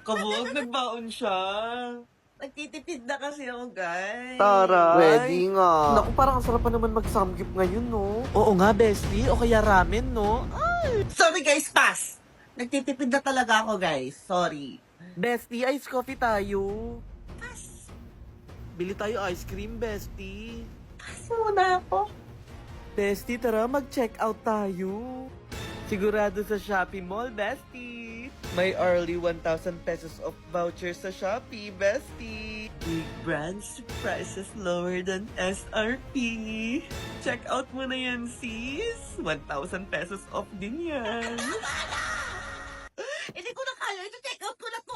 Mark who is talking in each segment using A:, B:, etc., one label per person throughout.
A: Kabuog, nagbaon siya. Nagtitipid na kasi ako, guys.
B: Taray.
C: Ready nga.
B: Naku, parang ang sarap pa naman mag-samgyup ngayon, no?
C: Oo nga, bestie. O kaya ramen, no?
A: Sorry, guys, pass. Nagtitipid na talaga ako, guys. Sorry.
B: Bestie, ice coffee tayo.
A: Pass.
B: Bili tayo ice cream, bestie.
A: Pass muna ako.
B: Bestie, tara, mag-check out tayo. Sigurado sa Shopee Mall, bestie. May early 1,000 pesos of vouchers sa Shopee, bestie.
A: Big brands, prices lower than SRP. Check out mo na yan, sis. 1,000 pesos off din yan. Hindi ko na kaya. Ito, check out ko na to.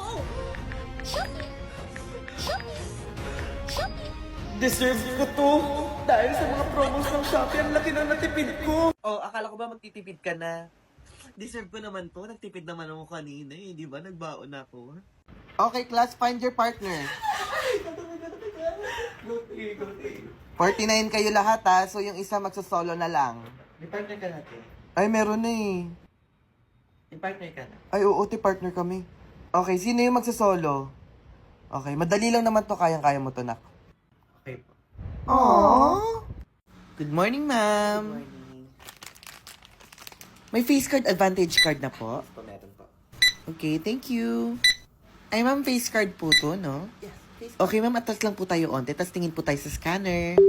B: Deserve ko to. Dahil sa mga promos ng Shopee, ang laki na natipid ko.
A: Oh, akala ko ba magtitipid ka na? Deserve ko naman to. Nagtipid naman ako kanina eh. Di ba? Nagbaon ako.
C: Okay, class, find your partner. 49 kayo lahat ha, so yung isa magsosolo na lang.
A: May partner ka natin.
C: Ay, meron na eh.
A: May partner ka na.
C: Ay, oo, partner kami. Okay, sino yung magsosolo? Okay, madali lang naman to, kayang-kaya mo to, nak.
A: Okay po.
C: Aww. Good morning,
A: Good
C: ma'am.
A: morning.
C: May face card advantage card na po.
A: Po, meron po.
C: Okay, thank you. Ay, ma'am, face card po to, no?
A: Yes, please.
C: Okay, ma'am, atras lang po tayo onte, tas tingin po tayo sa scanner.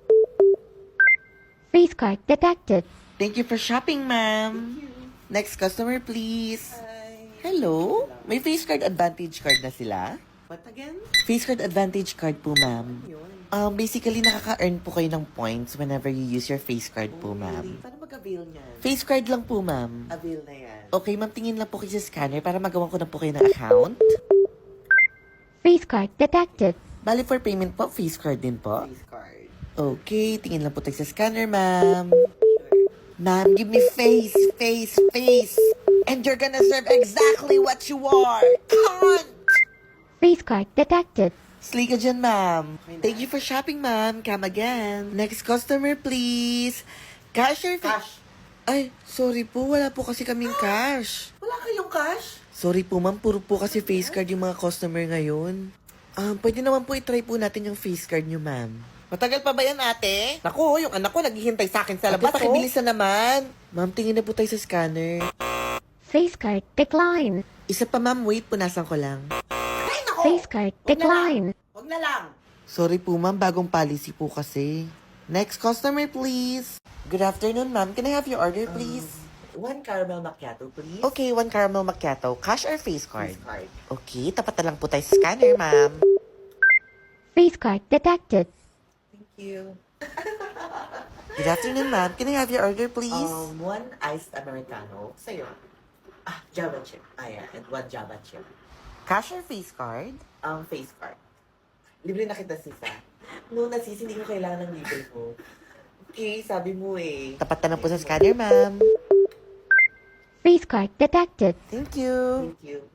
D: Face card detected.
C: Thank you for shopping, ma'am. Next customer, please. Hello? May face card advantage card na sila?
A: What again?
C: Face card advantage card po, ma'am.
A: Yun.
C: Basically, nakaka-earn po kayo ng points whenever you use your face card po,
A: Really?
C: ma'am.
A: Paano mag-avail niyan?
C: Face card lang po, ma'am.
A: Avail na yan.
C: Okay, ma'am, tingin lang po kayo sa scanner para magawa ko na po kayo ng account.
D: Face card detected.
C: Bali, for payment po, face card din po.
A: Face card.
C: Okay, tingin lang po tayo sa scanner, ma'am.
A: Sure.
C: Ma'am, give me face, face, face. And you're gonna serve exactly what you are. Cunt!
D: Face card detected.
C: Slay ka dyan, ma'am.
A: Okay na.
C: Thank you for shopping, ma'am. Come again. Next customer, please. Cashier fee.
A: Cash.
C: Ay, sorry po. Wala po kasi kaming cash.
A: Wala kayong cash?
C: Sorry po, ma'am. Puro po kasi face card yung mga customer ngayon. Pwede naman po itry po natin yung face card nyo, ma'am.
A: Matagal pa ba yan, ate?
C: Naku, yung anak ko naghihintay sa akin sa labas.
A: Ate,
C: Pakibilisan naman. Ma'am, tingin na po tayo sa scanner.
D: Face card decline.
C: Isa pa, ma'am. Wait, punasan ko lang.
A: Ay, naku!
D: Face card decline.
A: Huwag na lang.
C: Sorry po, ma'am. Bagong policy po kasi. Next customer, please. Good afternoon, ma'am. Can I have your order, please?
A: One caramel macchiato, please.
C: Okay, 1 caramel macchiato. Cash or face card?
A: Face card.
C: Okay, tapat na lang po tayo sa scanner, ma'am.
D: Face card detected.
A: Thank you.
C: Good afternoon, ma'am. Can I have your order, please?
A: One iced americano. Sa'yo. Java chip. Ayan. And one Java chip.
C: Cash or face card?
A: Face card. Libre na kita, sis, ah. No, na sis, hindi ko kailangan ng libre mo. Okay, sabi mo eh.
C: Tapat na lang po sa scanner, ma'am.
D: Face card detected.
C: Thank you.
A: Thank you.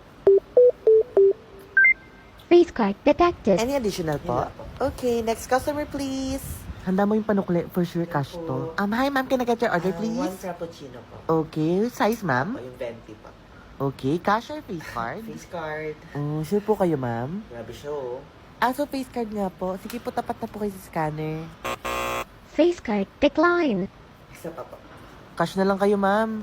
D: Face card detected.
C: Any additional po?
A: Wala po.
C: Okay, next customer, please. Handa mo yung panukli. For sure, cash to. Hi, ma'am. Can I get your order,
A: One
C: please?
A: frappuccino po.
C: Okay, size,
A: O,
C: ma'am?
A: yung 20 po.
C: Okay, cash or face card?
A: Face card.
C: Sure po kayo, ma'am?
A: Grabe siya, oh.
C: So face card nga po. Sige po, tapat na po kayo sa scanner.
D: Face card decline.
A: Isa pa po.
C: Cash na lang kayo, ma'am.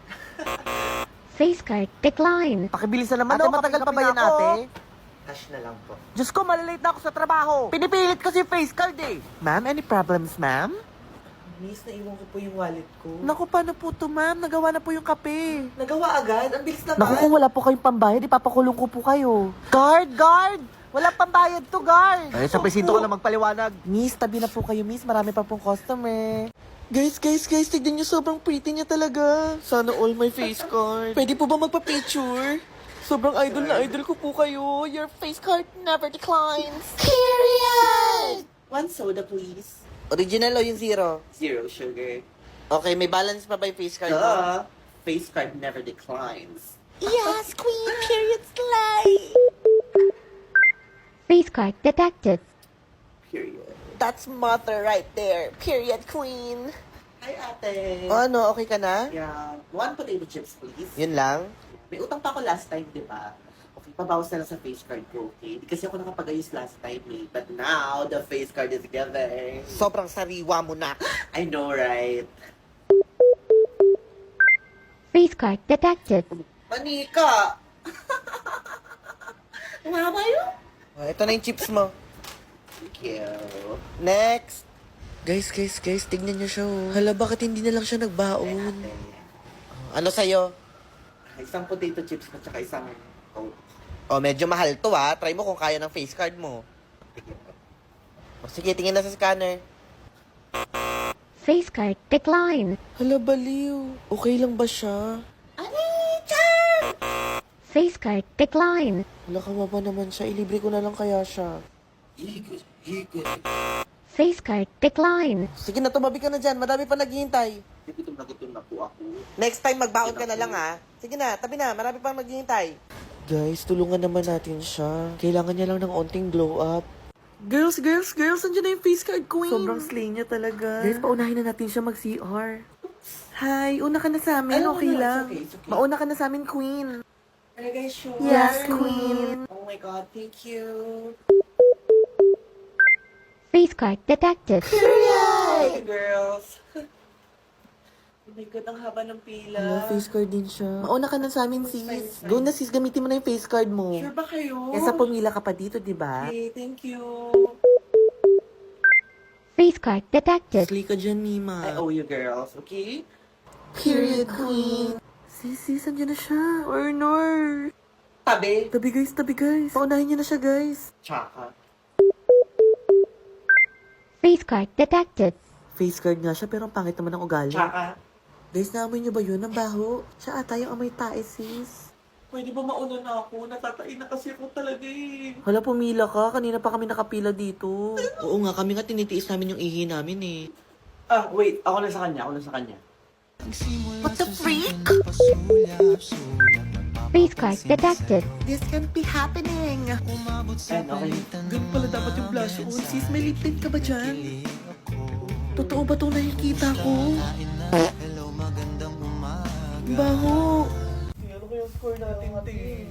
D: Face card decline.
B: Pakibilisan naman,
C: Ate,
B: oh.
C: matagal pa ba yan,
B: Kapin ako.
C: ate?
A: Cash na lang po.
B: Diyos ko, malalate na ako sa trabaho. Pinipilit kasi face card eh.
C: Ma'am, any problems, ma'am?
A: Miss, naiwan ko po yung wallet ko.
C: Naku, paano po to, ma'am? Nagawa na po yung kape.
A: Nagawa agad? Ang bilis naman.
C: Naku, kung wala po kayong pambayad, ipapakulong ko po kayo. Guard, guard! Wala pambayad to, guard!
B: Ay, sa presinto ko na magpaliwanag.
C: Miss, tabi na po kayo, miss. Marami pa pong customer. Guys, tignan nyo, sobrang pretty niya talaga. Sana all my face card. Pwede po ba magpa-picture? Sobrang idol na idol ko po kayo. Your face card never declines. Period!
A: One soda, please.
C: Original o yung zero?
A: Zero sugar.
C: Okay, may balance pa ba yung face card mo?
A: Duh. Face card never declines.
C: Yes, queen, period slay!
D: Face card detected.
A: Period.
C: That's mother right there. Period, queen.
A: Hi, ate.
C: O ano, okay ka na?
A: Yeah. One potato chips, please.
C: Yun lang?
A: May utang pa ako last time, di ba?
B: Okay, pabawas na lang sa face card ko, okay? Di kasi ako nakapag-ayos last time eh. But now, the face card is giving.
C: Sobrang sariwa mo na.
B: I know, right?
D: Face card detected.
B: Manika! Mama yun?
C: Oh, ito na yung chips mo.
B: Thank you.
C: Next. Guys, tignan niyo siya oh. Hala, bakit hindi na lang siya nagbaon? Ano sa'yo?
B: Isang potato chips at saka isang Coke.
C: Oh, medyo mahal to ah. Try mo kung kaya ng face card mo. Oh, sige, tingin na sa scanner.
D: Face card decline.
C: Hala, baliw. Okay lang ba siya?
D: Face card decline.
C: Hala, kawawa naman siya. Ilibre ko na lang kaya siya.
D: Face card decline.
C: Sige na, tumabi ka na dyan. Madami pa naghihintay.
B: Gutom na po ako.
C: Next time, magbaon ka na lang ah. Sige na, tabi na. Marami pa maghihintay. Guys, tulungan naman natin siya. Kailangan niya lang ng onting glow up.
A: Girls! Andiyan na yung face card queen!
C: Sobrang slay niya talaga.
A: Guys, paunahin na natin siya mag-CR. Hi, una ka na sa amin,
B: Ay,
A: okay
B: no,
A: lang.
B: it's okay.
A: Mauna ka na sa amin, queen.
B: Are you guys sure?
A: Yes, queen.
B: Oh my God, thank you.
D: Face card detected.
B: Hey, girls. Oh my God, ang haba ng pila.
C: Hala, face card din siya. Mauna ka na sa amin, sis.
B: Fine.
C: Go na, sis. Gamitin mo na yung face card mo.
B: Sure ba kayo?
C: Kesa pumila ka pa dito, di ba?
B: Okay, thank you.
D: Face card detected.
C: Slay ka dyan, Mima.
B: I owe you, girls, okay?
C: Period, queen.
A: Sis, andyan na siya. Or.
B: Tabi.
A: Tabi guys. Paunahin niyo na siya, guys.
B: Tsaka.
D: Face card detected.
C: Face card nga siya, pero ang pangit naman ng ugali.
B: Tsaka.
C: Guys, naamoy niyo ba yun? Ang baho. Siya ata yung amoy tae, sis.
B: Pwede ba mauna na ako? Natatain na kasi ako talaga eh.
C: Hala, pumila ka. Kanina pa kami nakapila dito. Oo nga, kami nga tinitiis namin yung ihi namin eh.
B: Ah, wait. Ako na sa kanya.
C: What the freak?
D: Face card detected.
C: This can't be happening.
B: Ayan, okay.
C: Ganun pala dapat yung blush on. Sis, may lip tint ka ba dyan? Totoo ba itong nakikita ko? Baho.
B: Ano ko yung score natin, te?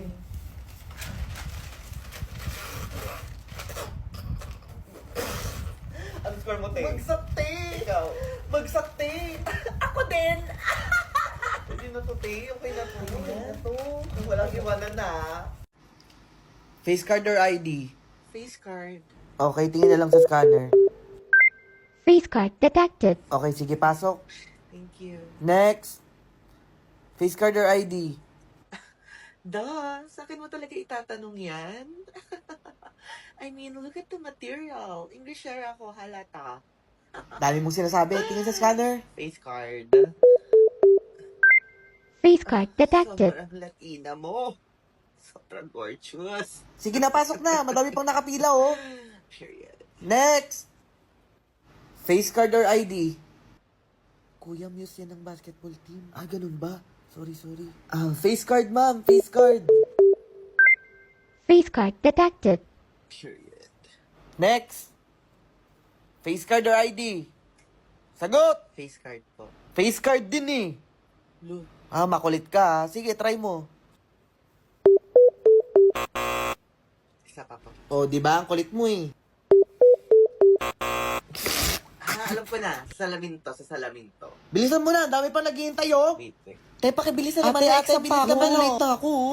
B: Ano score mo, te?
C: Magsakte!
B: Ikaw.
C: Magsakte! Ako din!
B: Hindi na to, te. Okay na to. Okay na to. Walang iwanan na.
C: Face card or ID?
B: Face card.
C: Okay, tingin na lang sa scanner.
D: Face card detected.
C: Okay, sige, pasok.
B: Thank you.
C: Next. Face card or ID?
B: Da, sa akin mo talaga itatanong yan? I mean, look at the material. English share ako, halata.
C: Dami mong sinasabi. Tingin sa scanner.
B: Face card.
D: Face card detected.
B: Sobrang Latina mo. Sobrang gorgeous.
C: Sige na, pasok na. Madami pang nakapila, oh.
B: Period.
C: Next. Face card or ID? Kuya, muse yan ng basketball team. Ah, ganun ba? Sorry. Ah, face card, ma'am. Face card.
D: Face card detected.
B: Period.
C: Next. Face card or ID? Sagot!
B: Face card po.
C: Face card din eh.
B: Lo.
C: Ah, makulit ka. Sige, try mo.
B: Isa pa po.
C: Oh, di ba? Ang kulit mo eh.
B: Alam ko na. Sa salamin to.
C: Bilisan mo na. Ang dami pa naghihintay, oh.
B: Wait.
C: Tay, pakibilisan naman. Ate, bilis naman. Late na ako.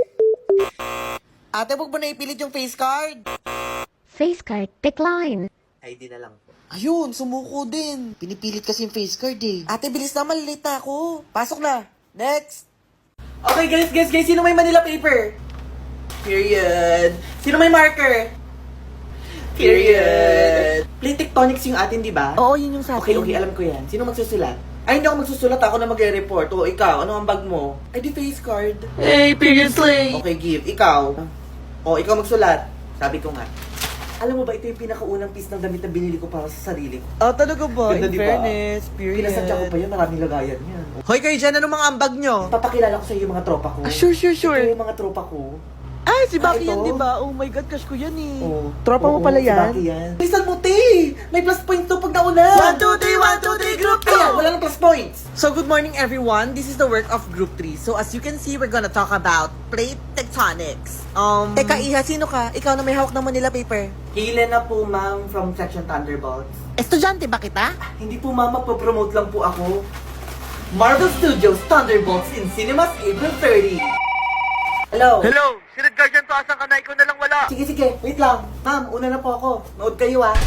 C: Ate, huwag mo na ipilit yung face card.
D: Face card decline.
B: ID na lang po.
C: Ayun, sumuko din. Pinipilit kasi yung face card eh. Ate, bilis naman. Late na ako. Pasok na. Next.
A: Okay, guys. Sino may Manila paper?
B: Period.
A: Sino may marker?
B: Period. Play tectonics yung atin, di ba?
A: Oo, yun yung sa
B: Okay, alam ko yan. Sino magsusulat? Ay, hindi ako magsusulat. Ako na magre-report. O, ikaw, ano ang bag mo? Ay, di face card.
A: Hey, period slay!
B: Okay, give. Ikaw. O, ikaw magsulat. Sabi ko nga. Alam mo ba, ito yung pinakaunang piece ng damit na binili ko para sa sarili ko.
C: Ah, talaga ba?
B: Ganda,
C: In
B: di ba?
C: fairness, period.
B: Pinasadya ko pa yun. Maraming lagayan yan.
C: Hoy, kayo dyan, anong mga ambag nyo?
B: Papakilala ko sa iyo yung mga tropa ko.
A: Sure.
B: Ito yung mga tropa ko.
C: Ay, si Baki yan,
B: ito?
C: di ba? Oh my God, crush ko yan eh.
B: Oo.
C: Tropa mo
B: Oo,
C: pala
B: si
C: yan?
B: Baki yan. Lisan mo, te! May plus points to pag nauna!
C: 1, 2, 3, 1, 2, 3, group
B: Ayan, wala nang plus points!
C: So, good morning everyone. This is the work of Group 3. So, as you can see, we're gonna talk about plate tectonics. Teka, Iha, sino ka? Ikaw na may hawak ng Manila paper.
B: Kailan na po, ma'am, from Section Thunderbolts?
C: Estudyante ba kita?
B: Hindi po, ma'am, magpo-promote lang po ako. Marvel Studios Thunderbolts in cinemas April 30. Hello?
C: Hello! Sinad guardian to, asan ka na? Ikaw na lang wala.
B: Sige, sige. Wait lang. Ma'am, una na po ako. Nood kayo, ah.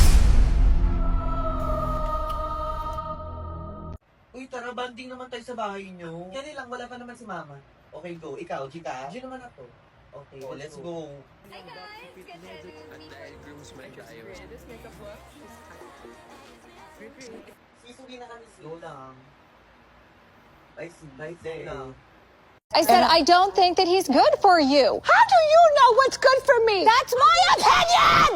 B: Uy, tara, banding naman tayo sa bahay nyo. Yan lang, wala pa naman si mama. Okay, go. Ikaw, Chika. Diyan naman ako. Okay, let's go. Sisugi na kami, slow lang. Nice lang.
E: I said, I don't think that he's good for you. How do you know what's good for me? That's my opinion!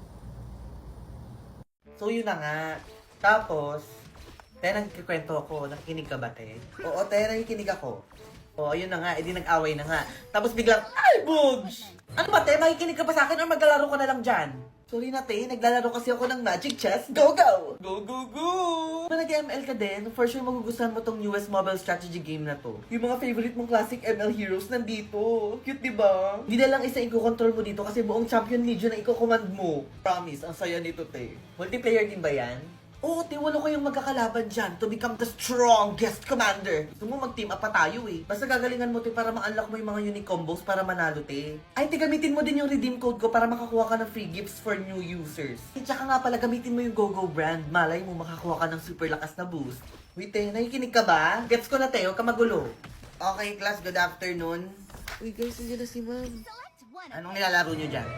B: So, yun na nga. Tapos, nagkikwento ako. Nakikinig ka ba, te? Oo, te, nakikinig ako. Oo, yun na nga. Edi nag-away na nga. Tapos biglang, ay, Bugs! Ano ba, te? Makikinig ka ba sa akin or maglalaro ka na lang dyan? Sorry na, te. Naglalaro kasi ako ng Magic Chess. Go, go! Go, go, go! Kung nag-ML ka din, for sure magugustuhan mo tong newest mobile strategy game na to. Yung mga favorite mong classic ML heroes nandito. Cute, di ba? Hindi na lang isa i-control mo dito kasi buong Champion Legion na i-command mo. Promise, ang saya nito, te. Multiplayer din ba yan? Oo, te, walo kayong magkakalaban dyan to become the strongest commander. Gusto mo mag-team up pa tayo eh. Basta gagalingan mo, te, para ma-unlock mo yung mga unique combos para manalo, te. Ay, te, gamitin mo din yung redeem code ko para makakuha ka ng free gifts for new users. At saka nga pala, gamitin mo yung GoGo brand. Malay mo, makakuha ka ng super lakas na boost. Wait, te, nakikinig ka ba? Gets ko na, te, huwag ka magulo. Okay, class, good afternoon.
C: Uy guys, nandiyan na si ma'am.
B: Anong nilalaro nyo dyan?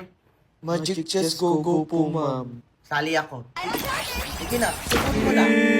C: Magic Chess Go-Go po, ma'am.
B: Sali ako. Sige na, susunod mo na.